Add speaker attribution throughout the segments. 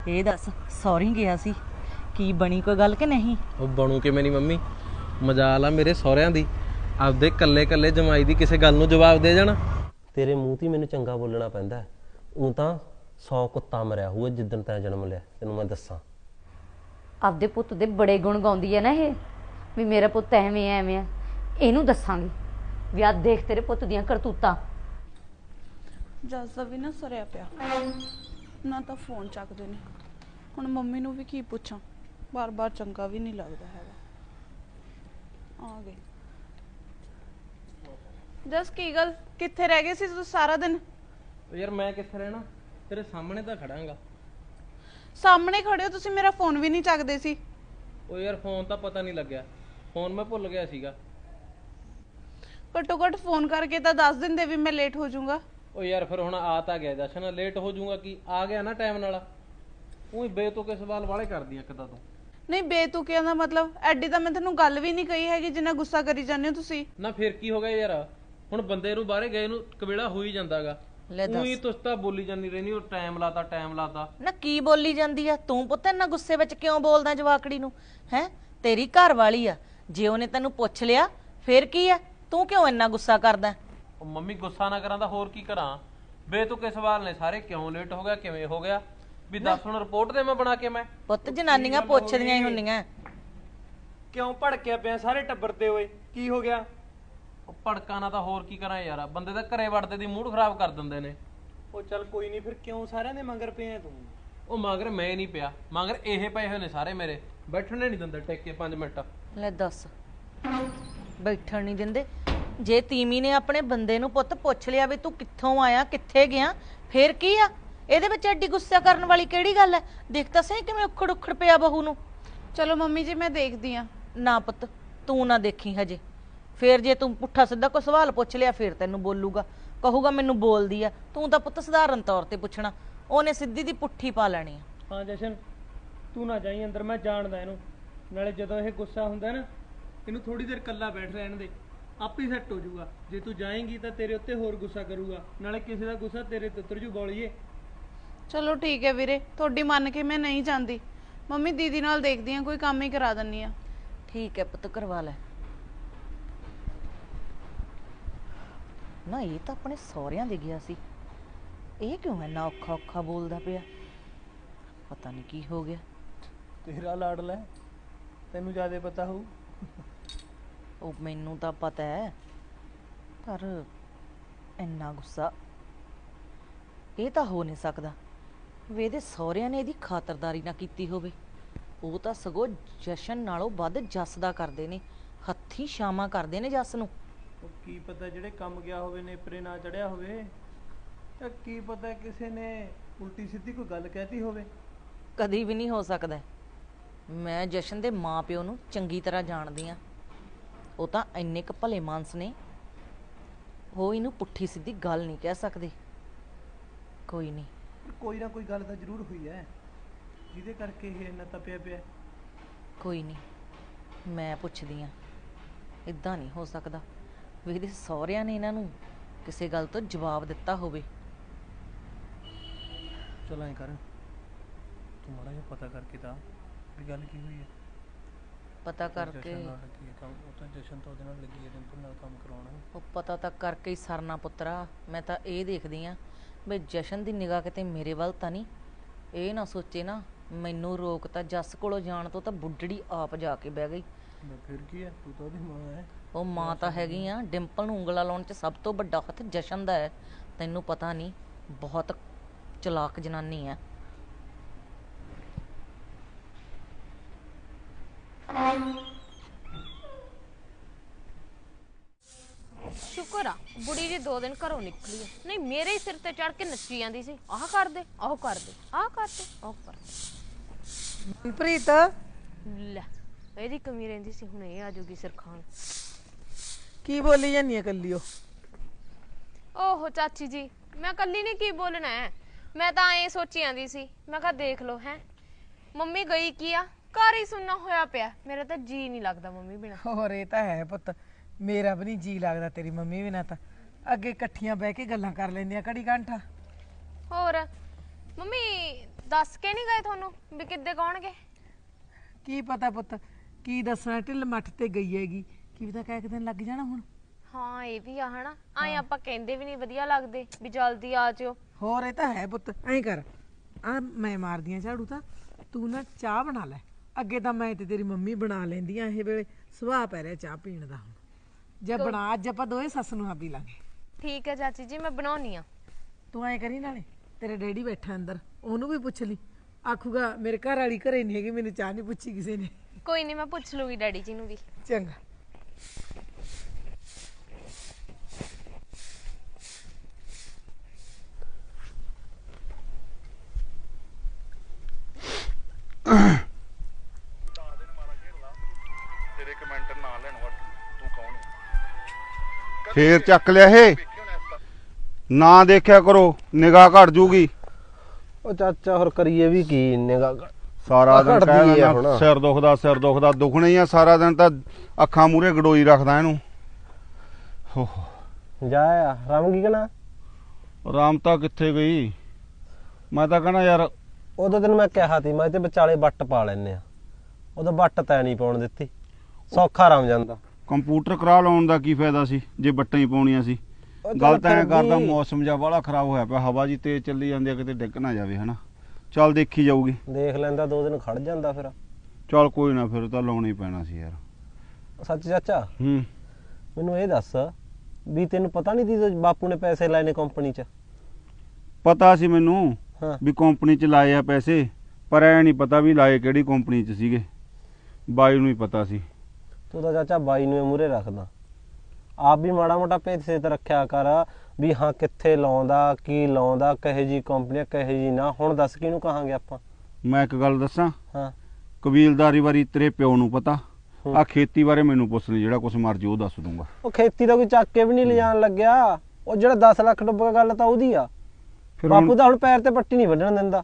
Speaker 1: ਇਹ ਦੱਸ ਸੌਰੀ ਗਿਆ ਸੀ ਕੀ ਬਣੀ ਕੋਈ ਗੱਲ ਕਿ ਨਹੀਂ?
Speaker 2: ਉਹ ਬਣੂ ਕਿਵੇਂ ਨਹੀਂ ਮੰਮੀ, ਮਜਾਲ ਆ ਮੇਰੇ ਸਹੁਰਿਆਂ ਦੀ ਆਪਦੇ ਕੱਲੇ ਕੱਲੇ ਜਮਾਈ ਦੀ ਕਿਸੇ ਗੱਲ ਨੂੰ ਜਵਾਬ ਦੇ ਜਾਣਾ। ਤੇਰੇ ਮੂੰਹ ਤੇ ਮੈਨੂੰ ਚੰਗਾ ਬੋਲਣਾ ਪੈਂਦਾ, ਉਹ ਤਾਂ 100 ਕੁੱਤਾ ਮਰਿਆ ਹੋਊ ਜਿੱਦਣ ਤੈਂ ਜਨਮ ਲਿਆ, ਤੈਨੂੰ ਮੈਂ ਦੱਸਾਂ।
Speaker 3: ਆਪਦੇ ਪੁੱਤ ਦੇ ਬੜੇ ਗੁਣ ਗਾਉਂਦੀ ਹੈ ਨਾ ਇਹ, ਵੀ ਮੇਰਾ ਪੁੱਤ ਐਵੇਂ ਐਵੇਂ ਆ। ਇਹਨੂੰ ਦੱਸਾਂਗੀ ਵੀ ਆ ਦੇਖ ਤੇਰੇ ਪੁੱਤ ਦੀਆਂ ਕਰਤੂਤਾਂ।
Speaker 4: ਜੱਸ ਦਾ ਵੀ ਨਾ ਸਰਿਆ ਪਿਆ, ਨਾ ਤਾਂ ਫੋਨ ਚੱਕਦੇ ਨੇ। ਹੁਣ ਮੰਮੀ ਨੂੰ ਵੀ ਕੀ ਪੁੱਛਾਂ, ਬਾਰ-ਬਾਰ ਚੰਗਾ ਵੀ ਨਹੀਂ ਲੱਗਦਾ ਹੈਗਾ। ਆ ਗਏ। ਜੱਸ ਕੀ ਗੱਲ, ਕਿੱਥੇ ਰਹਿ ਗਏ ਸੀ ਤੁਸੀਂ ਸਾਰਾ ਦਿਨ?
Speaker 2: ਯਾਰ ਮੈਂ ਕਿੱਥੇ ਰਹਿਣਾ, ਤੇਰੇ ਸਾਹਮਣੇ ਤਾਂ ਖੜਾਂਗਾ।
Speaker 4: ਸਾਹਮਣੇ ਖੜੇ ਹੋ ਤੁਸੀਂ, ਮੇਰਾ ਫੋਨ ਵੀ ਨਹੀਂ ਚੱਕਦੇ ਸੀ।
Speaker 2: ਉਹ ਯਾਰ ਫੋਨ ਤਾਂ ਪਤਾ ਨਹੀਂ ਲੱਗਿਆ, ਫੋਨ ਮੈਂ ਭੁੱਲ ਗਿਆ ਸੀਗਾ।
Speaker 4: ਘੱਟੋ ਘੱਟ ਫੋਨ ਕਰਕੇ ਤਾਂ ਦੱਸ ਦਿੰਦੇ ਵੀ ਮੈਂ ਲੇਟ ਹੋ ਜਾਊਂਗਾ।
Speaker 2: ਉਹ ਯਾਰ ਫਿਰ ਹੁਣ ਆ ਤਾਂ ਗਿਆ ਜਸ਼ਨ, ਲੇਟ ਹੋ ਜਾਊਗਾ ਕੀ, ਆ ਗਿਆ ਨਾ ਟਾਈਮ ਨਾਲ। ਉਹੀ ਬੇਤੁਕੇ ਸਵਾਲ ਵਾਲੇ ਕਰਦੀ ਆ ਕਿਦਾਂ ਤੂੰ।
Speaker 4: ਨਹੀਂ ਬੇਤੁਕਿਆਂ ਦਾ ਮਤਲਬ ਐਡੀ ਤਾਂ ਮੈਂ ਤੁਹਾਨੂੰ ਗੱਲ ਵੀ ਨਹੀਂ ਕਹੀ ਹੈਗੀ ਜਿੰਨਾ ਗੁੱਸਾ ਕਰੀ ਜਾਂਦੇ ਹੋ ਤੁਸੀਂ।
Speaker 2: ਨਾ ਫਿਰ ਕੀ ਹੋ ਗਿਆ ਯਾਰ, ਹੁਣ ਬੰਦੇ ਨੂੰ ਬਾਹਰੇ ਗਏ ਨੂੰ ਕਬੇੜਾ ਹੋ ਹੀ ਜਾਂਦਾਗਾ। ਉਹੀ ਤੁਸੀਂ ਤਾਂ ਬੋਲੀ ਜਾਂਦੀ ਰਹਿੰਦੀ, ਉਹ ਟਾਈਮ ਲਾਤਾ
Speaker 1: ਨਾ ਕੀ ਬੋਲੀ ਜਾਂਦੀ ਆ ਤੂੰ ਪੁੱਤ, ਇੰਨਾ ਗੁੱਸੇ ਵਿੱਚ ਕਿਉਂ ਬੋਲਦਾ ਜਵਾਕੜੀ ਨੂੰ? ਹੈ ਤੇਰੀ ਘਰ ਵਾਲੀ ਆ, ਜੇ ਉਹਨੇ ਤੈਨੂੰ ਪੁੱਛ ਲਿਆ ਫੇਰ ਕੀ ਆ, ਤੂੰ ਕਿਉਂ ਇੰਨਾ ਗੁੱਸਾ ਕਰਦਾ?
Speaker 2: ਉਹ ਮੰਮੀ ਗੁੱਸਾ ਨਾ ਕਰਾਂ ਤਾਂ ਹੋਰ ਕੀ ਕਰਾਂ, ਬੇਤੁਕੇ ਸਵਾਲ ਨੇ ਸਾਰੇ। ਕਿਉਂ ਲੇਟ ਹੋ ਗਿਆ, ਕਿਵੇਂ ਹੋ ਗਿਆ, ਵੀ ਦੱਸ ਹੁਣ ਰਿਪੋਰਟ ਦੇ ਮੈਂ ਬਣਾ ਕੇ। ਮੈਂ
Speaker 1: ਪੁੱਤ ਜਨਾਨੀਆਂ ਪੁੱਛਦੀਆਂ ਹੀ ਹੁੰਦੀਆਂ।
Speaker 5: ਕਿਉਂ ਭੜਕਿਆ ਪਿਆ ਸਾਰੇ ਟੱਬਰ ਤੇ? ਓਏ ਕੀ ਹੋ ਗਿਆ?
Speaker 2: ਉਹ ਭੜਕਾ ਨਾ ਤਾਂ ਹੋਰ ਕੀ ਕਰਾਂ ਯਾਰ, ਬੰਦੇ ਦਾ ਘਰੇ ਵੜਦੇ ਦੀ ਮੂਡ ਖਰਾਬ ਕਰ ਦਿੰਦੇ ਨੇ।
Speaker 5: ਉਹ ਚੱਲ ਕੋਈ ਨਹੀਂ, ਫਿਰ ਕਿਉਂ ਸਾਰਿਆਂ ਦੇ ਮੰਗਰ ਪਿਆ ਤੂੰ?
Speaker 2: ਉਹ ਮਗਰ ਮੈਂ ਨਹੀਂ ਪਿਆ, ਮਗਰ ਇਹ ਪਏ ਹੋਏ ਨੇ ਸਾਰੇ ਮੇਰੇ, ਬੈਠਣੇ ਨਹੀਂ ਦਿੰਦੇ ਟਿਕ ਕੇ 5 ਮਿੰਟ।
Speaker 1: ਲੈ ਦੱਸ, ਬੈਠਣ ਨਹੀਂ ਦਿੰਦੇ? ਜੇ ਤੀਮੀ ਨੇ ਆਪਣੇ ਬੰਦੇ ਨੂੰ ਪੁੱਤ ਪੁੱਛ ਲਿਆ ਵੀ ਤੂੰ ਕਿੱਥੋਂ ਆਇਆ, ਕਿੱਥੇ ਗਿਆ, ਫੇਰ ਕੀ ਆ? ਇਹਦੇ ਵਿੱਚ ਐਡੀ ਗੁੱਸਾ ਕਰਨ ਵਾਲੀ ਕਿਹੜੀ ਗੱਲ ਹੈ? ਦੇਖ ਤਾਂ ਸਹੀ ਕਿਵੇਂ ਉਖੜ ਪਿਆ ਬਹੂ ਨੂੰ।
Speaker 4: ਚਲੋ ਮੰਮੀ ਜੀ ਮੈਂ ਦੇਖਦੀ ਆ।
Speaker 1: ਨਾ ਪੁੱਤ ਤੂੰ ਨਾ ਦੇਖੀ ਹਜੇ, ਫੇਰ ਜੇ ਤੂੰ ਪੁੱਠਾ ਸਿੱਧਾ ਕੋਈ ਸਵਾਲ ਪੁੱਛ ਲਿਆ ਫੇਰ ਤੈਨੂੰ ਬੋਲੂਗਾ, ਕਹੂਗਾ ਮੈਨੂੰ ਬੋਲਦੀ ਆ। ਤੂੰ ਤਾਂ ਪੁੱਤ ਸਧਾਰਨ ਤੌਰ ਤੇ ਪੁੱਛਣਾ, ਉਹਨੇ ਸਿੱਧੀ ਦੀ ਪੁੱਠੀ ਪਾ ਲੈਣੀ ਆ।
Speaker 5: ਹਾਂ ਜਸ਼ਨ ਤੂੰ ਨਾ ਜਾਈ ਅੰਦਰ, ਮੈਂ ਜਾਣਦਾ ਇਹਨੂੰ। ਨਾਲੇ ਜਦੋਂ ਇਹ ਗੁੱਸਾ ਹੁੰਦਾ ਨਾ, ਇਹਨੂੰ ਥੋੜੀ ਦੇਰ ਇਕੱਲਾ ਬੈਠ ਰਹਿਣ ਦੇ, ਆਪੇ ਸੈੱਟ ਹੋ ਜਾਊਗਾ। ਜੇ ਤੂੰ ਜਾਏਂਗੀ ਤਾਂ ਤੇਰੇ ਉੱਤੇ ਹੋਰ ਗੁੱਸਾ ਕਰੂਗਾ, ਨਾਲੇ ਕਿਸੇ ਦਾ ਗੁੱਸਾ ਤੇਰੇ ਤੇ ਉਤਰ ਜੂ ਬੋਲੀਏ।
Speaker 4: ਚਲੋ ਠੀਕ ਹੈ ਵੀਰੇ, ਤੁਹਾਡੀ ਮੰਨ ਕੇ ਮੈਂ ਨਹੀਂ ਜਾਂਦੀ। ਮੰਮੀ ਦੀਦੀ ਨਾਲ ਦੇਖਦੀ ਆ, ਕੋਈ ਕੰਮ ਹੀ ਕਰਾ ਦਿੰਨੀ ਆ।
Speaker 1: ਠੀਕ ਹੈ ਪੁੱਤ ਕਰਵਾ ਲੈ। ਨਾ ਇਹ ਤਾਂ ਆਪਣੇ ਸਹੁਰਿਆਂ ਦੇ ਗਿਆ ਸੀ, ਇਹ ਕਿਉਂ ਇੰਨਾ ਔਖਾ ਬੋਲਦਾ ਪਿਆ? ਪਤਾ ਨਹੀਂ ਕੀ ਹੋ ਗਿਆ।
Speaker 5: ਤੇਰਾ ਲਾਡਲਾ ਹੈ, ਤੈਨੂੰ ਜ਼ਿਆਦਾ ਪਤਾ ਹੋਊ।
Speaker 1: ਉਹ ਮੈਨੂੰ ਤਾਂ ਪਤਾ ਹੈ, ਪਰ ਇੰਨਾ ਗੁੱਸਾ ਇਹ ਤਾਂ ਹੋ ਨਹੀਂ ਸਕਦਾ ਵੀ ਇਹਦੇ ਸਹੁਰਿਆਂ ਨੇ ਇਹਦੀ ਖਾਤਰਦਾਰੀ ਨਾ ਕੀਤੀ ਹੋਵੇ। ਉਹ ਤਾਂ ਸਗੋਂ ਜਸ਼ਨ ਨਾਲੋਂ ਵੱਧ ਜੱਸ ਦਾ ਕਰਦੇ ਨੇ, ਹੱਥੀਂ ਛਾਵਾਂ ਕਰਦੇ ਨੇ ਜੱਸ ਨੂੰ।
Speaker 5: ਉਹ ਕੀ ਪਤਾ ਜਿਹੜੇ ਕੰਮ ਗਿਆ ਹੋਵੇ ਨੇਪਰੇ ਨਾ ਚੜਿਆ ਹੋਵੇ, ਤਾਂ ਕੀ ਪਤਾ ਕਿਸੇ ਨੇ ਉਲਟੀ ਸਿੱਧੀ ਕੋਈ ਗੱਲ ਕਹਿਤੀ ਹੋਵੇ।
Speaker 1: ਕਦੀ ਵੀ ਨਹੀਂ ਹੋ ਸਕਦਾ। ਮੈਂ ਜਸ਼ਨ ਦੇ ਮਾਂ ਪਿਓ ਨੂੰ ਚੰਗੀ ਤਰ੍ਹਾਂ ਜਾਣਦੀ ਆ, ਉਹ ਤਾਂ ਇੰਨੇ ਕੁ ਭਲੇ ਮਾਨਸ ਨੇ, ਉਹ ਇਹਨੂੰ ਪੁੱਠੀ ਸਿੱਧੀ ਗੱਲ ਨਹੀਂ ਕਹਿ ਸਕਦੇ। ਕੋਈ ਨਹੀਂ,
Speaker 5: ਕੋਈ ਨਾ ਕੋਈ ਗੱਲ ਤਾਂ ਜ਼ਰੂਰ ਹੋਈ ਹੈ ਜਿਹਦੇ ਕਰਕੇ ਇਹ ਇੰਨਾ ਤਪਿਆ ਪਿਆ।
Speaker 1: ਕੋਈ ਨਹੀਂ ਮੈਂ ਪੁੱਛਦੀ ਆ। ਇਦਾਂ ਨਹੀਂ ਹੋ ਸਕਦਾ ਵੀ ਇਹਦੇ ਸਹੁਰਿਆਂ ਨੇ ਇਹਨਾਂ ਨੂੰ ਕਿਸੇ ਗੱਲ ਤੋਂ ਜਵਾਬ ਦਿੱਤਾ ਹੋਵੇ।
Speaker 5: ਚਲ ਐਂ ਕਰ, ਤੂੰ ਮਾੜਾ ਜਿਹਾ ਪਤਾ ਕਰਕੇ ਤਾਂ ਵੀ ਗੱਲ ਕੀ ਹੋਈ ਹੈ।
Speaker 1: ਪਤਾ ਕਰਕੇ
Speaker 5: ਜਸ਼ਨ ਨਾਲ ਲੱਗੀ ਹੈ ਕੰਮ, ਉਹ ਤਾਂ ਜਸ਼ਨ ਤਾਂ ਉਹਦੇ ਨਾਲ ਲੱਗੀ ਹੈ ਡਿੰਪਲ ਨਾਲ ਕੰਮ ਕਰਾਉਣਾ।
Speaker 1: ਉਹ ਪਤਾ ਤਾਂ ਕਰਕੇ ਹੀ ਸਰਨਾ ਪੁੱਤਰਾ। ਮੈਂ ਤਾਂ ਇਹ ਦੇਖਦੀ ਆ ਵੀ ਜਸ਼ਨ ਦੀ ਨਿਗਾਹ ਕਿਤੇ ਮੇਰੇ ਵੱਲ ਤਾਂ ਨਹੀਂ, ਇਹ ਨਾ ਸੋਚੇ ਨਾ ਮੈਨੂੰ ਰੋਕ ਤਾਂ ਜੱਸ ਕੋਲੋਂ ਜਾਣ ਤੋਂ ਤਾਂ ਬੁੱਢੜੀ ਆਪ ਜਾ ਕੇ ਬਹਿ ਗਈ।
Speaker 5: ਫਿਰ ਕੀ ਹੈ, ਤੂੰ ਤਾਂ ਉਹਦੀ ਮਾਂ ਹੈ।
Speaker 1: ਉਹ ਮਾਂ ਤਾਂ ਹੈਗੀ ਆ, ਡਿੰਪਲ ਨੂੰ ਉਂਗਲਾਂ ਲਾਉਣ 'ਚ ਸਭ ਤੋਂ ਵੱਡਾ ਹੱਥ ਜਸ਼ਨ ਦਾ ਹੈ। ਤੈਨੂੰ ਪਤਾ ਨਹੀਂ, ਬਹੁਤ ਚਲਾਕ ਜਨਾਨੀ ਹੈ।
Speaker 6: ਸ਼ੁਕਰ ਆ ਬੁੜੀ ਜੀ 2 ਦਿਨ ਘਰੋਂ ਨਿਕਲੀ ਹੈ, ਨਹੀਂ ਮੇਰੇ ਹੀ ਸਿਰ ਤੇ ਚੜ ਕੇ ਨੱਚੀ ਜਾਂਦੀ ਸੀ। ਆਹ ਕਰ ਦੇ, ਆਹ ਕਰ ਦੇ, ਆਹ ਕਰ ਦੇ, ਆਹ ਕਰ ਦੇ।
Speaker 7: ਮਨਪ੍ਰੀਤ
Speaker 6: ਲੈ ਇਹਦੀ ਕਮੀ ਰਹਿੰਦੀ ਸੀ, ਹੁਣ ਇਹ ਆ ਜੂਗੀ ਸਿਰ ਖਾਣ।
Speaker 7: ਕੀ ਬੋਲੀ ਜਾਂਦੀ ਹੈ ਕੱਲੀ?
Speaker 6: ਓਹੋ ਚਾਚੀ ਜੀ, ਮੈਂ ਕੱਲੀ ਨੇ ਕੀ ਬੋਲਣਾ ਹੈ, ਮੈਂ ਤਾਂ ਐ ਸੋਚੀ ਜਾਂਦੀ ਸੀ। ਮੈਂ ਕਿਹਾ ਦੇਖ ਲਓ ਹੈ ਮੰਮੀ ਗਈ ਕੀ ਆ, ਘਰ ਹੀ ਸੁੰਨਾ ਹੋਇਆ ਪਿਆ, ਮੇਰਾ ਤਾਂ ਜੀ ਨਹੀਂ ਲੱਗਦਾ ਮੰਮੀ ਬਿਨਾ।
Speaker 7: ਹੋਰ ਇਹ ਤਾਂ ਹੈ ਪੁੱਤ, ਮੇਰਾ ਵੀ ਨਹੀਂ ਜੀ ਲੱਗਦਾ ਤੇਰੀ ਮੰਮੀ ਬਿਨਾ। ਤਾਂ ਅੱਗੇ ਇਕੱਠੀਆਂ ਬਹਿ ਕੇ ਗੱਲਾਂ ਕਰ ਲੈਂਦੀਆਂ ਘੜੀ ਘੰਟਾ।
Speaker 6: ਹੋਰ ਮੰਮੀ ਦੱਸ ਕੇ ਨਹੀਂ ਗਏ ਤੁਹਾਨੂੰ ਵੀ ਕਿੱਦੇ ਕੌਣਗੇ?
Speaker 7: ਕੀ ਪਤਾ ਪੁੱਤ, ਕੀ ਦੱਸਣਾ, ਢਿੱਲ ਮੱਠ ਤੇ ਗਈ ਹੈਗੀ, ਕੀ ਪਤਾ ਕਹਿ ਦਿਨ ਲੱਗ ਜਾਣਾ ਹੁਣ।
Speaker 6: ਹਾਂ ਇਹ ਵੀ ਆ ਹਨਾ, ਆਏ ਆਪਾਂ ਕਹਿੰਦੇ ਵੀ ਨਹੀਂ ਵਧੀਆ ਲੱਗਦੇ ਵੀ ਜਲਦੀ ਆ ਜਿਓ।
Speaker 7: ਹੋਰ ਇਹ ਤਾਂ ਹੈ ਪੁੱਤ, ਐਂ ਕਰ, ਆ ਮੈਂ ਮਾਰਦੀ ਆਂ ਝਾੜੂ, ਤਾਂ ਤੂੰ ਨਾ ਚਾਹ ਬਣਾ ਲੈ। ਅੱਗੇ ਤਾਂ ਮੈਂ ਤੇ ਤੇਰੀ ਮੰਮੀ ਬਣਾ ਲੈਂਦੀਆਂ, ਇਹ ਵੇਲੇ ਸੁਭਾਅ ਪੈ ਰਿਹਾ ਚਾਹ ਪੀਣ ਦਾ। ਹੁਣ ਜੇ ਬਣਾ, ਅੱਜ ਆਪਾਂ ਦੋਵੇਂ ਸੱਸ ਨੂੰ ਪੀ ਲਾਂਗੇ।
Speaker 6: ਠੀਕ ਹੈ ਚਾਚੀ ਜੀ, ਮੈਂ ਬਣਾਉਣੀ ਆ।
Speaker 7: ਤੂੰ ਐਂ ਕਰੀ, ਨਾਲੇ ਤੇਰੇ ਡੈਡੀ ਬੈਠਾ ਅੰਦਰ, ਉਹਨੂੰ ਵੀ ਪੁੱਛ ਲਈ, ਆਖੂਗਾ ਮੇਰੇ ਘਰ ਵਾਲੀ ਘਰੇ ਨਹੀਂ ਹੈਗੀ, ਮੈਨੂੰ ਚਾਹ ਨਹੀਂ ਪੁੱਛੀ ਕਿਸੇ ਨੇ।
Speaker 6: ਕੋਈ ਨਹੀਂ, ਮੈਂ ਪੁੱਛ ਲੂਗੀ ਡੈਡੀ ਜੀ ਨੂੰ ਵੀ।
Speaker 7: ਚੰਗਾ।
Speaker 8: ਫੇਰ ਚੱਕ ਲਿਆ ਇਹ, ਨਾ ਦੇਖਿਆ ਕਰੋ, ਨਿਗਾਹ ਘਟ ਜੂਗੀ।
Speaker 2: ਉਹ ਚਾਚਾ ਹੋਰ ਕਰੀਏ ਵੀ ਕੀ, ਨਿਗਾਹ
Speaker 8: ਸਾਰਾ ਦਿਨ
Speaker 2: ਘਟਦੀ
Speaker 8: ਕਹਿ
Speaker 2: ਆ
Speaker 8: ਦਿੰਦਾ
Speaker 2: ਹੁਣ।
Speaker 8: ਸਿਰ ਦੁਖਦਾ ਦੁਖਣਾ ਹੀ ਆ ਸਾਰਾ ਦਿਨ, ਤਾਂ ਅੱਖਾਂ ਮੂਰੇ ਗਡੋਈ ਰੱਖਦਾ ਇਹਨੂੰ।
Speaker 2: ਜਾ ਆ ਰਾਮ ਕੀ ਕਹਣਾ,
Speaker 8: ਰਾਮ ਤਾਂ ਕਿੱਥੇ ਗਈ? ਮੈਂ ਤਾਂ ਕਹਣਾ ਯਾਰ,
Speaker 2: ਉਦੋਂ ਤੈਨੂੰ ਮੈਂ ਕਿਹਾ ਸੀ ਮੈਂ ਤੇ ਵਿਚਾਲੇ ਵੱਟ ਪਾ ਲੈਨੇ ਆ, ਉਦੋਂ ਵੱਟ ਤੈ ਨਹੀਂ ਪਾਉਣ ਦਿੱਤੀ, ਸੌਖਾ ਰਾਮ ਜਾਂਦਾ।
Speaker 8: ਕੰਪਿਊਟਰ ਕਰਾ ਲਾਉਣ ਦਾ ਕੀ ਫਾਇਦਾ ਸੀ ਜੇ ਬੱਟਾਂ ਹੀ ਪਾਉਣੀਆਂ ਸੀ? ਗੱਲ ਤਾਂ ਐਂ ਕਰਦਾ, ਮੌਸਮ ਜਿਹਾ ਬਾਹਲਾ ਖਰਾਬ ਹੋਇਆ ਪਿਆ, ਹਵਾ ਜੀ ਤੇਜ਼ ਚੱਲੀ ਜਾਂਦੀ ਆ, ਕਿਤੇ ਡਿੱਗ ਨਾ ਜਾਵੇ ਹਨਾ। ਚੱਲ ਦੇਖੀ ਜਾਊਗੀ।
Speaker 2: ਦੇਖ ਲੈਂਦਾ, 2 ਦਿਨ ਖੜ ਜਾਂਦਾ ਫਿਰ।
Speaker 8: ਚੱਲ ਕੋਈ ਨਾ, ਫਿਰ ਤਾਂ ਲਾਉਣਾ ਹੀ ਪੈਣਾ ਸੀ ਯਾਰ।
Speaker 2: ਸੱਚ ਚਾਚਾ,
Speaker 8: ਹੂੰ,
Speaker 2: ਮੈਨੂੰ ਇਹ ਦੱਸ ਵੀ ਤੈਨੂੰ ਪਤਾ ਨਹੀਂ ਸੀ ਬਾਪੂ ਨੇ ਪੈਸੇ ਲਾਏ ਨੇ ਕੰਪਨੀ 'ਚ?
Speaker 8: ਪਤਾ ਸੀ ਮੈਨੂੰ
Speaker 2: ਹਾਂ।
Speaker 8: ਵੀ ਕੰਪਨੀ 'ਚ ਲਾਏ ਆ ਪੈਸੇ, ਪਰ ਐ ਨਹੀਂ ਪਤਾ ਵੀ ਲਾਏ ਕਿਹੜੀ ਕੰਪਨੀ 'ਚ ਸੀਗੇ। ਬਾਈ ਨੂੰ ਹੀ ਪਤਾ ਸੀ।
Speaker 2: ਤੂੰ ਤਾਂ ਚਾਚਾ ਬਾਈ ਨੂੰ ਮੂਹਰੇ ਰੱਖਦਾ, ਆਪ ਵੀ ਮਾੜਾ ਮੋਟਾ ਪੈਸੇ ਤੇ ਰੱਖਿਆ ਕਰ ਵੀ ਹਾਂ ਕਿੱਥੇ ਲਾਉਂਦਾ, ਕੀ ਲਾਉਂਦਾ, ਕਹੇ ਜੀ ਕੰਪਨੀ ਕਹੇ ਜੀ ਨਾ। ਹੁਣ ਦੱਸ ਕਿਹਨੂੰ ਕਹਾਂਗੇ ਆਪਾਂ?
Speaker 8: ਮੈਂ ਇੱਕ ਗੱਲ ਦੱਸਾਂ,
Speaker 2: ਹਾਂ
Speaker 8: ਕਬੀਲਦਾਰੀ ਬਾਰੇ ਤੇਰੇ ਪਿਓ ਨੂੰ ਪਤਾ, ਆ ਖੇਤੀ ਬਾਰੇ ਮੈਨੂੰ ਪੁੱਛ ਲਈ, ਜਿਹੜਾ ਕੁਛ ਮਰਜੀ ਉਹ ਦੱਸ ਦੂੰਗਾ।
Speaker 2: ਉਹ ਖੇਤੀ ਦਾ ਕੋਈ ਚੱਕ ਕੇ ਵੀ ਨਹੀਂ ਲਿਜਾਣ ਲੱਗਿਆ, ਉਹ ਜਿਹੜਾ 10 ਲੱਖ ਡੁੱਬ ਗੱਲ ਤਾਂ ਉਹਦੀ ਆ।
Speaker 8: ਫਿਰ
Speaker 2: ਬਾਪੂ ਤਾਂ ਹੁਣ ਪੈਰ ਤੇ ਪੱਟੀ ਨਹੀਂ ਵੱਢਣ ਦਿੰਦਾ,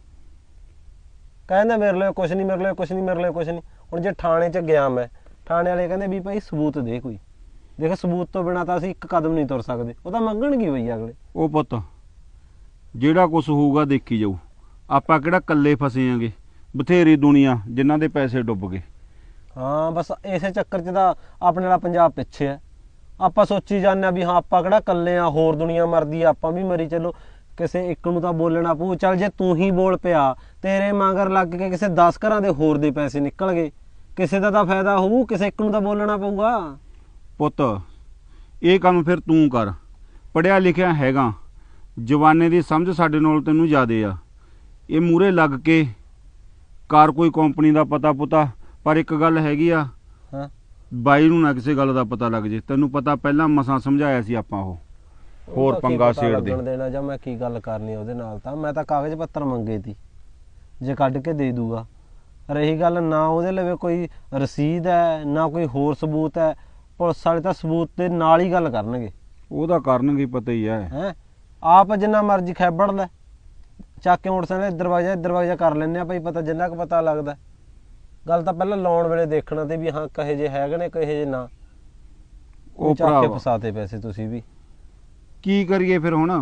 Speaker 2: ਕਹਿੰਦਾ ਮੇਰੇ ਲਈ ਕੁਛ ਨਹੀਂ, ਮੇਰੇ ਲਈ ਕੁਛ ਨਹੀਂ, ਮੇਰੇ ਲਈ ਕੁਛ ਨਹੀਂ। ਹੁਣ ਜੇ ਥਾਣੇ 'ਚ ਗਿਆ ਮੈਂ, ਥਾਣੇ ਵਾਲੇ ਕਹਿੰਦੇ ਵੀ ਭਾਈ ਸਬੂਤ ਦੇ ਕੋਈ। ਦੇਖ ਸਬੂਤ ਤੋਂ ਬਿਨਾਂ ਤਾਂ ਅਸੀਂ ਇੱਕ ਕਦਮ ਨਹੀਂ ਤੁਰ ਸਕਦੇ, ਉਹ ਤਾਂ ਮੰਗਣਗੇ ਬਈ ਅਗਲੇ।
Speaker 8: ਉਹ ਪੁੱਤ ਜਿਹੜਾ ਕੁਛ ਹੋਊਗਾ ਦੇਖੀ ਜਾਊ, ਆਪਾਂ ਕਿਹੜਾ ਇਕੱਲੇ ਫਸੇ ਆਂਗੇ, ਬਥੇਰੀ ਦੁਨੀਆ ਜਿਨ੍ਹਾਂ ਦੇ ਪੈਸੇ ਡੁੱਬ ਗਏ।
Speaker 2: ਹਾਂ ਬਸ ਇਸੇ ਚੱਕਰ 'ਚ ਤਾਂ ਆਪਣੇ ਵਾਲਾ ਪੰਜਾਬ ਪਿੱਛੇ ਹੈ। ਆਪਾਂ ਸੋਚੀ ਜਾਂਦੇ ਆ ਵੀ ਹਾਂ ਆਪਾਂ ਕਿਹੜਾ ਇਕੱਲੇ ਆ, ਹੋਰ ਦੁਨੀਆ ਮਰਦੀ ਆ, ਆਪਾਂ ਵੀ ਮਰੀ ਚੱਲੋ। ਕਿਸੇ ਇੱਕ ਨੂੰ ਤਾਂ ਬੋਲਣਾ ਪਊ। ਚੱਲ ਜੇ ਤੂੰ ਹੀ ਬੋਲ ਪਿਆ, ਤੇਰੇ ਮਗਰ ਲੱਗ ਕੇ ਕਿਸੇ 10 ਘਰਾਂ ਦੇ ਹੋਰ ਦੇ ਪੈਸੇ ਨਿਕਲ ਗਏ, ਕਿਸੇ ਦਾ ਤਾਂ ਫਾਇਦਾ ਹੋਊ, ਕਿਸੇ ਇੱਕ ਨੂੰ ਤਾਂ ਬੋਲਣਾ ਪਊਗਾ।
Speaker 8: ਪੁੱਤ ਇਹ ਕੰਮ ਫਿਰ ਤੂੰ ਕਰ, ਪੜ੍ਹਿਆ ਲਿਖਿਆ ਹੈਗਾ, ਜਵਾਨੇ ਦੀ ਸਮਝ ਸਾਡੇ ਨਾਲ ਤੈਨੂੰ ਜ਼ਿਆਦੇ ਆ। ਇਹ ਮੂਹਰੇ ਲੱਗ ਕੇ ਕਰ ਕੋਈ ਕੰਪਨੀ ਦਾ ਪਤਾ ਪੁਤਾ, ਪਰ ਇੱਕ ਗੱਲ ਹੈਗੀ ਆ,
Speaker 2: ਹਾਂ
Speaker 8: ਬਾਈ ਨੂੰ ਨਾ ਕਿਸੇ ਗੱਲ ਦਾ ਪਤਾ ਲੱਗ ਜੇ। ਤੈਨੂੰ ਪਤਾ ਪਹਿਲਾਂ ਮਸਾਂ ਸਮਝਾਇਆ ਸੀ ਆਪਾਂ, ਉਹ ਹੋਰ ਪੰਗਾ ਛੇੜ ਦੇ
Speaker 2: ਦੇਣਾ। ਜਾਂ ਮੈਂ ਕੀ ਗੱਲ ਕਰਨੀ ਉਹਦੇ ਨਾਲ, ਤਾਂ ਮੈਂ ਤਾਂ ਕਾਗਜ਼ ਪੱਤਰ ਮੰਗੇ ਤੀ, ਜੇ ਕੱਢ ਕੇ ਦੇ ਦੂਗਾ। ਰਹੀ ਗੱਲ, ਨਾ ਉਹਦੇ ਲਵੇ ਕੋਈ ਰਸੀਦ ਹੈ, ਨਾ ਕੋਈ ਹੋਰ ਸਬੂਤ ਹੈ। ਪੁਲਿਸ ਵਾਲੇ ਤਾਂ ਸਬੂਤ ਦੇ ਨਾਲ ਹੀ ਗੱਲ ਕਰਨਗੇ।
Speaker 8: ਉਹ ਤਾਂ ਕਰਨਗੇ, ਪਤਾ ਹੀ ਹੈ।
Speaker 2: ਆਪ ਜਿੰਨਾ ਮਰਜ਼ੀ ਖੈਬੜ ਲੈ, ਚੱਕ ਕੇ ਮੋਟਰਸਾਈਕਲ ਇੱਧਰ ਵਜਾ ਕਰ ਲੈਂਦੇ ਆ ਭਾਈ, ਪਤਾ ਜਿੰਨਾ ਕੁ ਪਤਾ ਲੱਗਦਾ। ਗੱਲ ਤਾਂ ਪਹਿਲਾਂ ਲਾਉਣ ਵੇਲੇ ਦੇਖਣਾ ਤੇ ਵੀ ਹਾਂ ਕਹੇ ਜੇ ਹੈਗੇ ਨੇ, ਕਹੇ ਜੇ ਨਾ। ਉਹ ਚੱਕ ਕੇ ਫਸਾਤੇ ਪੈਸੇ ਤੁਸੀਂ ਵੀ।
Speaker 8: ਕੀ ਕਰੀਏ ਫਿਰ ਹੁਣ?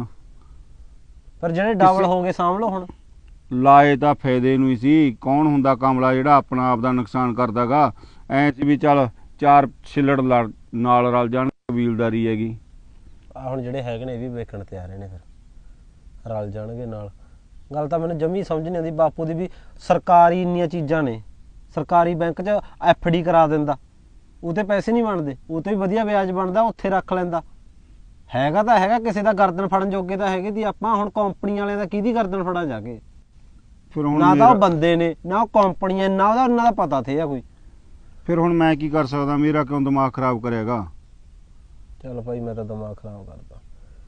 Speaker 2: ਪਰ ਜਿਹੜੇ ਡਬਲ ਹੋਗੇ ਸਾਂਭ ਲਓ ਹੁਣ।
Speaker 8: ਲਾਏ ਤਾਂ ਫਾਇਦੇ ਨੂੰ ਹੀ ਸੀ। ਕੌਣ ਹੁੰਦਾ ਕਮਲਾ ਜਿਹੜਾ ਆਪਣਾ ਆਪ ਦਾ ਨੁਕਸਾਨ ਕਰਦਾਗਾ? ਐ ਸੀ ਵੀ ਚੱਲ 4 ਛਿੱਲੜ ਨਾਲ ਰਲ ਜਾਣ, ਕਬੀਲਦਾਰੀ ਹੈਗੀ।
Speaker 2: ਆ ਹੁਣ ਜਿਹੜੇ ਹੈਗੇ ਨੇ ਇਹ ਵੀ ਵੇਖਣ ਤੇ ਆ ਰਹੇ ਨੇ, ਫਿਰ ਰਲ ਜਾਣਗੇ ਨਾਲ। ਗੱਲ ਤਾਂ ਮੈਨੂੰ ਜਮੀ ਸਮਝ ਨਹੀਂ ਆਉਂਦੀ ਬਾਪੂ ਦੀ ਵੀ। ਸਰਕਾਰੀ ਇੰਨੀਆਂ ਚੀਜ਼ਾਂ ਨੇ, ਸਰਕਾਰੀ ਬੈਂਕ 'ਚ FD ਕਰਾ ਦਿੰਦਾ, ਉਹ 'ਤੇ ਪੈਸੇ ਨਹੀਂ ਬਣਦੇ, ਉਹ 'ਤੇ ਵੀ ਵਧੀਆ ਵਿਆਜ ਬਣਦਾ, ਉੱਥੇ ਰੱਖ ਲੈਂਦਾ। ਹੈਗਾ ਤਾਂ ਹੈਗਾ, ਕਿਸੇ ਦਾ ਗਰਦਨ ਫੜਨ ਜੋਗੇ ਤਾਂ ਹੈਗੇ ਦੀ ਆਪਾਂ। ਹੁਣ ਕੰਪਨੀ ਵਾਲਿਆਂ ਦਾ ਕਿਹਦੀ ਗਰਦਨ ਫੜਾ ਜਾ ਕੇ?
Speaker 8: ਫਿਰ ਹੁਣ
Speaker 2: ਨਾ ਤਾਂ ਉਹ ਬੰਦੇ ਨੇ, ਨਾ ਉਹ ਕੰਪਨੀਆਂ, ਨਾ ਉਹਦਾ ਉਹਨਾਂ ਦਾ ਪਤਾ ਥੇ ਆ ਕੋਈ।
Speaker 8: ਫਿਰ ਹੁਣ ਮੈਂ ਕੀ ਕਰ ਸਕਦਾ? ਮੇਰਾ ਕਿਉਂ ਦਿਮਾਗ ਖਰਾਬ ਕਰੇਗਾ?
Speaker 2: ਚੱਲ ਭਾਈ ਮੈਂ ਤਾਂ ਦਿਮਾਗ ਖਰਾਬ ਕਰਦਾ।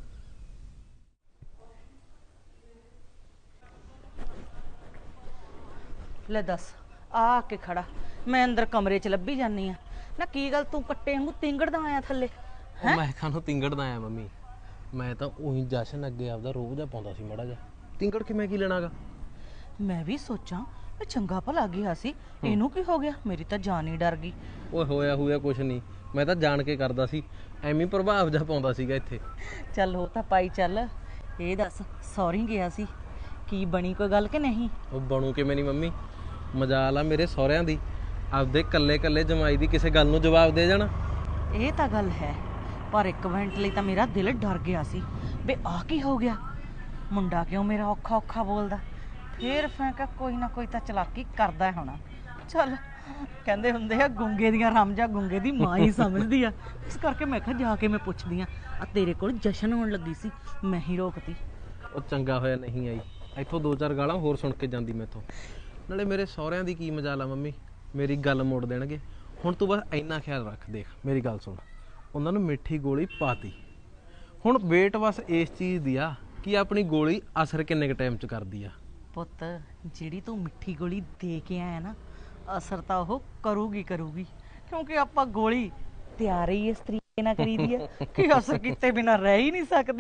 Speaker 1: ਲੈ ਦੱਸ, ਆ ਕੇ ਖੜਾ, ਮੈਂ ਅੰਦਰ ਕਮਰੇ 'ਚ ਲੱਭੀ ਜਾਨੀ ਆ ਨਾ। ਕੀ ਗੱਲ ਤੂੰ ਕੱਟੇ ਵਾਂਗੂ ਤਿੰਗੜਦਾ ਆਇਆ ਥੱਲੇ?
Speaker 2: ਮੈਂ ਕਾਹਨੂੰ ਤਿੰਗੜਦਾ ਆਇਆ ਮੰਮੀ? ਮੈਂ ਤਾਂ ਉਹੀ ਜਸ਼ਨ ਅੱਗੇ ਆਪਦਾ ਰੋਬ ਜਿਹਾ ਪਾਉਂਦਾ ਸੀ ਮਾੜਾ ਜਿਹਾ। ਤਿੰਗੜ ਕੇ ਮੈਂ ਕੀ ਲੈਣਾਗਾ?
Speaker 1: ਮੈਂ ਵੀ ਸੋਚਾਂ ਮੈਂ ਚੰਗਾ ਭਲਾ ਗਿਆ ਸੀ, ਇਹਨੂੰ ਕੀ ਹੋ ਗਿਆ? ਮੇਰੀ ਤਾਂ ਜਾਨ ਹੀ ਡਰ ਗਈ।
Speaker 2: ਓਏ ਹੋਇਆ ਕੁਛ ਨਹੀਂ, ਮੈਂ ਤਾਂ ਜਾਣ ਕੇ ਕਰਦਾ ਸੀ, ਐਵੇਂ ਪ੍ਰਭਾਵ ਜਿਹਾ ਪਾਉਂਦਾ ਸੀਗਾ ਇੱਥੇ।
Speaker 1: ਚੱਲ ਉਹ ਤਾਂ ਪਾਈ ਚੱਲ। ਇਹ ਦੱਸ, ਸੌਰੀ ਗਿਆ ਸੀ, ਕੀ ਬਣੀ ਕੋਈ ਗੱਲ ਕਿ ਨਹੀਂ?
Speaker 2: ਉਹ ਬਣੂ ਕਿਵੇਂ ਨਹੀਂ ਮੰਮੀ, ਮਜਾਲ ਆ ਮੇਰੇ ਸਹੁਰਿਆਂ ਦੀ ਆਪਦੇ ਕੱਲੇ ਕੱਲੇ ਜਮਾਈ ਦੀ ਕਿਸੇ ਗੱਲ ਨੂੰ ਜਵਾਬ ਦੇ ਜਾਣਾ।
Speaker 1: ਇਹ ਤਾਂ ਗੱਲ ਹੈ, ਪਰ ਇੱਕ ਮਿੰਟ ਲਈ ਤਾਂ ਮੇਰਾ ਦਿਲ ਡਰ ਗਿਆ ਸੀ ਵੀ ਆਹ ਕੀ ਹੋ ਗਿਆ, ਮੁੰਡਾ ਕਿਉਂ ਮੇਰਾ ਔਖਾ ਔਖਾ ਬੋਲਦਾ। ਫੇਰ ਮੈਂ ਕਿਹਾ ਕੋਈ ਨਾ ਕੋਈ ਤਾਂ ਚਲਾਕੀ ਕਰਦਾ ਹੋਣਾ। ਚੱਲ ਕਹਿੰਦੇ ਹੁੰਦੇ ਆ ਗੁੰਗੇ ਦੀਆਂ ਰਮਜਾਂ ਗੁੰਗੇ ਦੀ ਮਾਂ ਹੀ ਸਮਝਦੀ ਆ, ਇਸ ਕਰਕੇ ਮੈਂ ਕਿਹਾ ਜਾ ਕੇ ਮੈਂ ਪੁੱਛਦੀ ਆ ਤੇਰੇ ਕੋਲ ਜਸ਼ਨ ਹੋਣ ਲੱਗੀ ਸੀ, ਮੈਂ ਹੀ ਰੋਕਤੀ।
Speaker 2: ਉਹ ਚੰਗਾ ਹੋਇਆ ਨਹੀਂ ਆਈ, ਇੱਥੋਂ 2-4 ਗਾਲਾਂ ਹੋਰ ਸੁਣ ਕੇ ਜਾਂਦੀ ਮੈਥੋਂ। ਨਾਲੇ ਮੇਰੇ ਸਹੁਰਿਆਂ ਦੀ ਕੀ ਮਜਾਲ ਆ ਮੰਮੀ, ਮੇਰੀ ਗੱਲ ਮੋੜ ਦੇਣਗੇ। ਹੁਣ ਤੂੰ ਬਸ ਇੰਨਾ ਖਿਆਲ ਰੱਖ, ਦੇਖ ਮੇਰੀ ਗੱਲ ਸੁਣ, ਉਹਨਾਂ ਨੂੰ ਮਿੱਠੀ ਗੋਲੀ ਪਾਤੀ, ਹੁਣ ਵੇਟ ਬਸ ਇਸ ਚੀਜ਼ ਦੀ ਆ ਕਿ ਆਪਣੀ ਗੋਲੀ ਅਸਰ ਕਿੰਨੇ ਕੁ ਟਾਈਮ 'ਚ ਕਰਦੀ ਆ।
Speaker 1: ਪੁੱਤ ਜਿਹੜੀ ਤੂੰ ਮਿੱਠੀ ਗੋਲੀ ਦੇ ਕੇ ਆਇਆ ਨਾ, ਅਸਰ ਤਾਂ ਉਹ ਕਰੂਗੀ ਕਿਉਂਕਿ ਆਪਾਂ ਗੋਲੀ ਤਿਆਰ ਹੀ ਇਸ ਤਰੀਕੇ ਨਾਲ ਕਰੀਦੀ ਹੈ ਕਿ ਅਸਰ ਕੀਤੇ ਬਿਨਾ ਰਹਿ ਹੀ ਨਹੀਂ ਸਕਦੀ।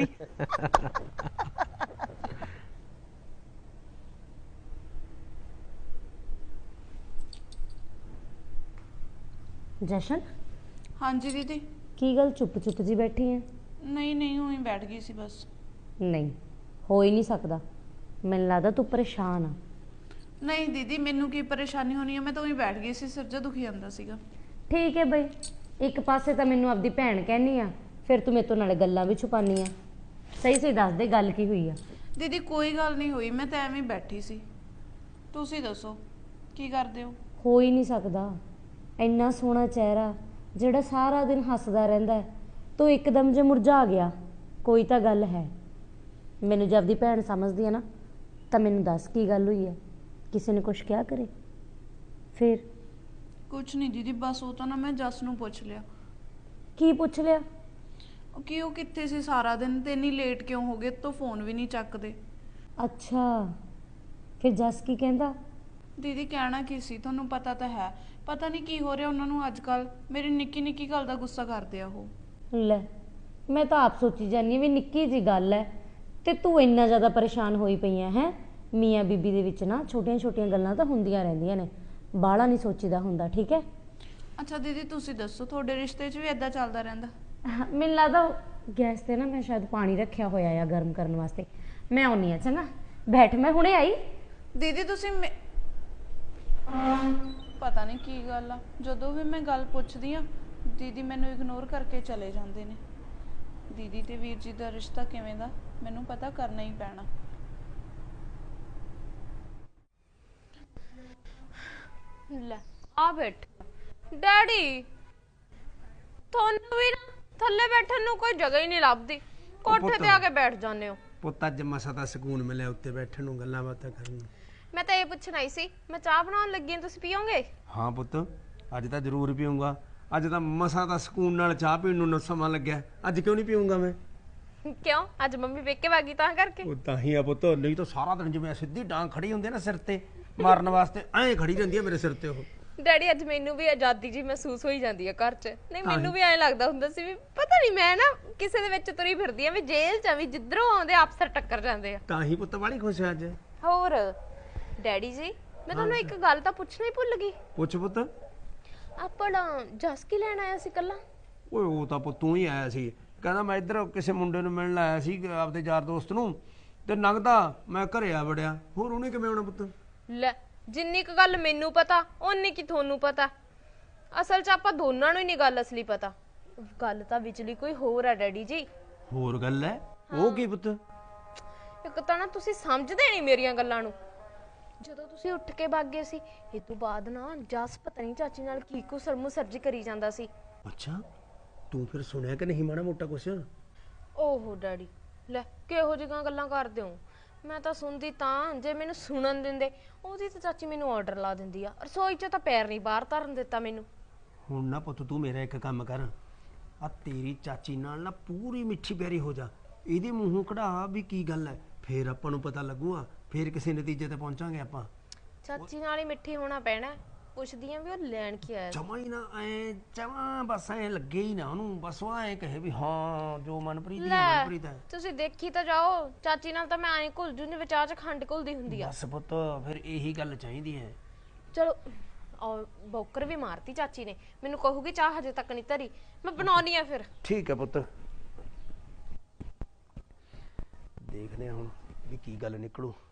Speaker 3: ਜਸ਼ਨ,
Speaker 4: ਹਾਂਜੀ ਦੀਦੀ।
Speaker 3: ਕੀ ਗੱਲ ਚੁੱਪ ਚੁੱਪ ਜੀ ਬੈਠੀ ਐ?
Speaker 4: ਨਹੀਂ ਉਹੀ ਬੈਠ ਗਈ ਸੀ ਬਸ।
Speaker 3: ਨਹੀਂ, ਹੋ ਹੀ ਨਹੀਂ ਸਕਦਾ, ਮੈਨੂੰ ਲੱਗਦਾ ਤੂੰ ਪਰੇਸ਼ਾਨ ਆ।
Speaker 4: ਨਹੀਂ ਦੀਦੀ, ਮੈਨੂੰ ਕੀ ਪਰੇਸ਼ਾਨੀ ਹੋਣੀ ਹੈ, ਮੈਂ ਤਾਂ ਉਹੀ ਬੈਠ ਗਈ ਸੀ, ਸਿਰ ਜਿਹਾ ਦੁਖੀ ਜਾਂਦਾ ਸੀਗਾ।
Speaker 3: ਠੀਕ ਹੈ ਬਈ, ਇੱਕ ਪਾਸੇ ਤਾਂ ਮੈਨੂੰ ਆਪਦੀ ਭੈਣ ਕਹਿਨੀ ਆ, ਫਿਰ ਤੂੰ ਮੇਰੇ ਤੋਂ ਨਾਲੇ ਗੱਲਾਂ ਵੀ ਛੁਪਾਨੀ ਆ। ਸਹੀ ਦੱਸ ਦੇ ਗੱਲ ਕੀ ਹੋਈ ਆ।
Speaker 4: ਦੀਦੀ ਕੋਈ ਗੱਲ ਨਹੀਂ ਹੋਈ, ਮੈਂ ਤਾਂ ਐਵੇਂ ਹੀ ਬੈਠੀ ਸੀ। ਤੁਸੀਂ ਦੱਸੋ ਕੀ ਕਰਦੇ
Speaker 3: ਹੋ ਹੀ ਨਹੀਂ ਸਕਦਾ, ਇੰਨਾ ਸੋਹਣਾ ਚਿਹਰਾ ਜਿਹੜਾ ਸਾਰਾ ਦਿਨ ਹੱਸਦਾ ਰਹਿੰਦਾ, ਤੂੰ ਇੱਕਦਮ ਜੇ ਮੁਰਝਾ ਗਿਆ, ਕੋਈ ਤਾਂ ਗੱਲ ਹੈ। ਮੈਨੂੰ ਜਦ ਦੀ ਭੈਣ ਸਮਝਦੀ ਆ ਨਾ, ਤਾਂ ਮੈਨੂੰ ਦੱਸ ਕੀ ਗੱਲ ਹੋਈ ਹੈ, ਕਿਸੇ ਨੇ ਕੁਛ ਕਿਹਾ ਕਰੇ? ਫਿਰ
Speaker 4: ਕੁਛ ਨਹੀਂ ਦੀਦੀ, ਬਸ ਉਹ ਤਾਂ ਨਾ ਮੈਂ ਜਸ ਨੂੰ ਪੁੱਛ ਲਿਆ।
Speaker 3: ਕੀ ਪੁੱਛ ਲਿਆ?
Speaker 4: ਕਿ ਉਹ ਕਿੱਥੇ ਸੀ ਸਾਰਾ ਦਿਨ ਤੇ ਇੰਨੀ ਲੇਟ ਕਿਉਂ ਹੋ ਗਏ, ਤੋਂ ਫੋਨ ਵੀ ਨਹੀਂ ਚੱਕਦੇ।
Speaker 3: ਅੱਛਾ, ਫਿਰ ਜਸ ਕੀ ਕਹਿੰਦਾ?
Speaker 4: ਦੀਦੀ ਕਹਿਣਾ ਕੀ ਸੀ, ਤੁਹਾਨੂੰ ਪਤਾ ਤਾਂ ਹੈ, ਪਤਾ ਨਹੀਂ ਕੀ ਹੋ ਰਿਹਾ ਉਹਨਾਂ ਨੂੰ ਅੱਜ ਕੱਲ, ਮੇਰੀ ਨਿੱਕੀ ਨਿੱਕੀ ਗੱਲ ਦਾ ਗੁੱਸਾ ਕਰਦੇ ਆ ਉਹ।
Speaker 3: ਲੈ, ਮੈਂ ਤਾਂ ਆਪ ਸੋਚੀ ਜਾਂਦੀ ਵੀ ਨਿੱਕੀ ਜੀ ਗੱਲ ਹੈ ਤੇ ਤੂੰ ਇੰਨਾ ਜ਼ਿਆਦਾ ਪਰੇਸ਼ਾਨ ਹੋਈ ਪਈ ਹੈ। ਮੀਆਂ ਬੀਬੀ ਦੇ ਵਿੱਚ ਨਾ ਛੋਟੀਆਂ ਛੋਟੀਆਂ ਗੱਲਾਂ ਤਾਂ ਹੁੰਦੀਆਂ ਰਹਿੰਦੀਆਂ ਨੇ, ਬਾਹਲਾ ਨਹੀਂ ਸੋਚੀਦਾ ਹੁੰਦਾ, ਠੀਕ ਹੈ?
Speaker 4: ਅੱਛਾ ਦੀਦੀ ਤੁਸੀਂ ਦੱਸੋ, ਤੁਹਾਡੇ ਰਿਸ਼ਤੇ 'ਚ ਵੀ ਇਦਾਂ ਚੱਲਦਾ ਰਹਿੰਦਾ?
Speaker 3: ਮੈਨੂੰ ਲੱਗਦਾ ਗੈਸ ਤੇ ਨਾ ਮੈਂ ਸ਼ਾਇਦ ਪਾਣੀ ਰੱਖਿਆ ਹੋਇਆ ਆ ਗਰਮ ਕਰਨ ਵਾਸਤੇ, ਮੈਂ ਆਉਣੀ ਆ। ਚੰਗਾ ਬੈਠ, ਮੈਂ ਹੁਣੇ ਆਈ।
Speaker 4: ਦੀਦੀ ਤੁਸੀਂ ਪਤਾ ਨਹੀਂ ਕੀ ਗੱਲ ਆ, ਜਦੋਂ ਵੀ ਮੈਂ ਗੱਲ ਪੁੱਛਦੀ ਆ ਦੀਦੀ ਮੈਨੂੰ ਇਗਨੋਰ ਕਰਕੇ ਚਲੇ ਜਾਂਦੇ ਨੇ। ਦੀਦੀ ਤੇ ਵੀਰ ਜੀ ਦਾ ਰਿਸ਼ਤਾ ਕਿਵੇਂ ਦਾ, ਮੈਨੂੰ ਪਤਾ ਕਰਨਾ ਹੀ ਪੈਣਾ।
Speaker 6: ਲੈ ਆ ਬੈਠ ਡੈਡੀ, ਤੁਹਾਨੂੰ ਵੀ ਨਾ ਥੱਲੇ ਬੈਠਣ ਨੂੰ ਕੋਈ ਜਗ੍ਹਾ ਹੀ ਨਹੀਂ ਲੱਭਦੀ, ਕੋਠੇ ਤੇ ਆ ਕੇ ਬੈਠ ਜਾਂਦੇ ਹੋ।
Speaker 5: ਪੁੱਤ ਅੱਜ ਮਸਾ ਦਾ ਸਕੂਨ ਮਿਲਿਆ ਉੱਤੇ ਬੈਠਣ ਨੂੰ, ਗੱਲਾਂ ਬਾਤਾਂ ਕਰਨ ਨੂੰ।
Speaker 6: ਮੈਂ ਤਾਂ ਇਹ ਪੁੱਛਣ ਆਈ ਸੀ, ਮੈਂ ਚਾਹ ਬਣਾਉਣ ਲੱਗੀ ਹਾਂ, ਤੁਸੀਂ ਪੀਓਗੇ?
Speaker 5: ਹਾਂ ਪੁੱਤ, ਅੱਜ ਤਾਂ ਜ਼ਰੂਰ ਪੀਊਂਗਾ, ਅੱਜ ਤਾਂ ਮਸਾ ਦਾ ਸਕੂਨ ਨਾਲ ਚਾਹ ਪੀਣ ਨੂੰ ਸਮਾਂ ਲੱਗਿਆ, ਅੱਜ ਕਿਉਂ ਨਹੀਂ ਪੀਊਂਗਾ ਮੈਂ?
Speaker 6: ਕਿਉਂ, ਅੱਜ ਮੰਮੀ ਵੇਖ ਵਾਗੀ ਤਾਂ ਕਰਕੇ?
Speaker 5: ਉਹ ਤਾਂ ਹੀ ਆ ਪੁੱਤ, ਨਹੀਂ ਤਾਂ ਸਾਰਾ ਦਿਨ ਜਿਵੇਂ ਸਿੱਧੀ ਡਾਂਗ ਖੜੀ ਹੁੰਦੀ ਨਾ ਸਿਰ ਤੇ ਮਾਰਨ ਵਾਸਤੇ, ਐਂ ਖੜੀ ਰਹਿੰਦੀ ਆ ਮੇਰੇ ਸਿਰ ਤੇ ਉਹ।
Speaker 6: ਡੈਡੀ ਅੱਜ ਮੈਨੂੰ ਵੀ ਆਜ਼ਾਦੀ ਜੀ ਮਹਿਸੂਸ ਹੋਈ ਜਾਂਦੀ ਹੈ ਘਰ 'ਚ। ਨਹੀਂ ਮੈਨੂੰ ਵੀ ਐਂ ਲੱਗਦਾ ਹੁੰਦਾ ਸੀ ਵੀ ਪਤਾ ਨਹੀਂ ਮੈਂ ਨਾ ਕਿਸੇ ਦੇ ਵਿੱਚ ਤੁਰੀ ਫਿਰਦੀ ਆ, ਵੀ ਜੇਲ੍ਹ 'ਚ ਵੀ ਜਿੱਧਰੋਂ ਆਉਂਦੇ ਅਫਸਰ ਟੱਕਰ ਜਾਂਦੇ ਆ।
Speaker 5: ਤਾਂ ਹੀ ਪੁੱਤ ਵਾਲੀ ਖੁਸ਼ ਆ ਅੱਜ।
Speaker 6: ਹੋਰ ਡੈਡੀ ਜੀ, ਮੈਂ ਤੁਹਾਨੂੰ ਇੱਕ ਗੱਲ ਤਾਂ ਪੁੱਛਣਾ ਹੀ ਭੁੱਲ ਗਈ।
Speaker 5: ਪੁੱਛ ਪੁੱਤ।
Speaker 6: ਆਪਣਾ ਜਸ ਕੀ ਲੈਣ ਆਇਆ ਸੀ ਕੱਲਾ?
Speaker 5: ਓਏ ਉਹ ਤਾਂ ਪੁੱਤ ਤੂੰ ਹੀ ਆਇਆ ਸੀ, ਕਹਿੰਦਾ ਮੈਂ ਇੱਧਰ ਕਿਸੇ ਮੁੰਡੇ ਨੂੰ ਮਿਲਣ ਆਇਆ ਸੀ ਆਪਦੇ ਯਾਰ ਦੋਸਤ ਨੂੰ, ਤੇ ਲੰਘਦਾ ਮੈਂ ਘਰੇ ਆ ਵੜਿਆ। ਹੋਰ ਉਹਨੇ ਕਿਵੇਂ ਆਉਣਾ ਪੁੱਤ?
Speaker 6: ਲੈ, ਜਿੰਨੀ ਕੁ ਗੱਲ ਮੈਨੂੰ ਪਤਾ ਓਨੀ ਕੀ ਤੁਹਾਨੂੰ ਪਤਾ। ਅਸਲ 'ਚ ਆਪਾਂ ਦੋਨਾਂ ਨੂੰ ਹੀ ਨਹੀਂ ਗੱਲ ਅਸਲੀ ਪਤਾ, ਗੱਲ ਤਾਂ ਵਿਚਲੀ ਕੋਈ ਹੋਰ ਆ ਡੈਡੀ ਜੀ।
Speaker 5: ਹੋਰ ਗੱਲ ਹੈ? ਉਹ ਕੀ ਪੁੱਤ?
Speaker 6: ਇੱਕ ਤਾਂ ਨਾ ਤੁਸੀਂ ਸਮਝਦੇ ਨਹੀਂ ਮੇਰੀਆਂ ਗੱਲਾਂ ਨੂੰ। ਜਦੋਂ ਤੁਸੀਂ ਉੱਠ ਕੇ ਭੱਗ ਗਏ ਸੀ, ਇਹ ਤੋਂ ਬਾਅਦ ਨਾ ਜਸ ਪਤਾ ਨਹੀਂ ਚਾਚੀ ਨਾਲ ਕੀ ਕੁ ਸਰਜੀ ਕਰੀ ਜਾਂਦਾ ਸੀ।
Speaker 5: ਅੱਛਾ, ਤੂੰ ਫਿਰ ਸੁਣਿਆ ਕਿ ਨਹੀਂ ਮਾੜਾ ਮੋਟਾ ਕੁਛ?
Speaker 6: ਓਹੋ ਡੈਡੀ, ਲੈ ਕਿਹੋ ਜਿਹੀਆਂ ਗੱਲਾਂ ਕਰਦੇ ਹੋ? ਮੈਂ ਤਾਂ ਸੁਣਦੀ ਤਾਂ ਜੇ ਮੈਨੂੰ ਸੁਣਨ ਦਿੰਦੇ। ਉਹਦੀ ਤਾਂ ਚਾਚੀ ਮੈਨੂੰ ਆਰਡਰ ਲਾ ਦਿੰਦੀ ਆ, ਰਸੋਈ 'ਚ ਤਾਂ ਪੈਰ ਨਹੀਂ ਬਾਹਰ ਧਰਨ ਦਿੱਤਾ ਮੈਨੂੰ।
Speaker 5: ਹੁਣ ਨਾ ਪੁੱਤ ਤੂੰ ਮੇਰਾ ਇੱਕ ਕੰਮ ਕਰ, ਆ ਤੇਰੀ ਚਾਚੀ ਨਾਲ ਨਾ ਪੂਰੀ ਮਿੱਠੀ ਪਿਆਰੀ ਹੋ ਜਾ, ਇਹਦੇ ਮੂੰਹੋਂ ਕਢਾ ਵੀ ਕੀ ਗੱਲ ਹੈ, ਫੇਰ ਆਪਾਂ ਨੂੰ ਪਤਾ ਲੱਗੂਗਾ, ਫੇਰ ਕਿਸੇ ਨਤੀਜੇ ਤੇ ਪਹੁੰਚਾਂਗੇ ਆਪਾਂ।
Speaker 6: ਚਾਚੀ ਨਾਲ ਹੀ ਮਿੱਠੀ ਹੋਣਾ ਪੈਣਾ। ਪੁੱਛਦੀ ਆ ਵੀ ਉਹ ਲੈਣ ਕੀ ਆਇਆ?
Speaker 5: ਜਮਾ ਹੀ ਨਾ ਐ ਜਮਾ ਬਸ ਐ ਲੱਗੇ ਹੀ ਨਾ ਉਹਨੂੰ, ਬਸ ਉਹ ਐ ਕਹੇ ਵੀ ਹਾਂ ਜੋ ਮਨਪ੍ਰੀਤ ਦੀ ਮਨਪ੍ਰੀਤ ਹੈ।
Speaker 6: ਤੁਸੀਂ ਦੇਖੀ ਤਾਂ ਜਾਓ, ਚਾਚੀ ਨਾਲ ਤਾਂ ਮੈਂ ਐਂ ਘੁਲ ਜੂ ਜਿਵੇਂ ਚਾਹ 'ਚ ਖੰਡ ਘੁਲਦੀ ਹੁੰਦੀ ਆ।
Speaker 5: ਬਸ ਪੁੱਤ ਫਿਰ ਇਹੀ ਗੱਲ ਚਾਹੀਦੀ ਹੈ।
Speaker 6: ਚਲੋ ਔਰ ਬੌਕਰ ਵੀ ਮਾਰਤੀ ਚਾਚੀ ਨੇ, ਮੈਨੂੰ ਕਹੂਗੀ ਚਾਹ ਹਜੇ ਤੱਕ ਨਹੀਂ ਧਰੀ, ਮੈਂ ਬਣਾਉਣੀ ਆ ਫਿਰ।
Speaker 5: ਠੀਕ ਹੈ ਪੁੱਤ, ਦੇਖਦੇ ਹਾਂ ਹੁਣ ਵੀ ਕੀ ਗੱਲ ਨਿਕਲੂ।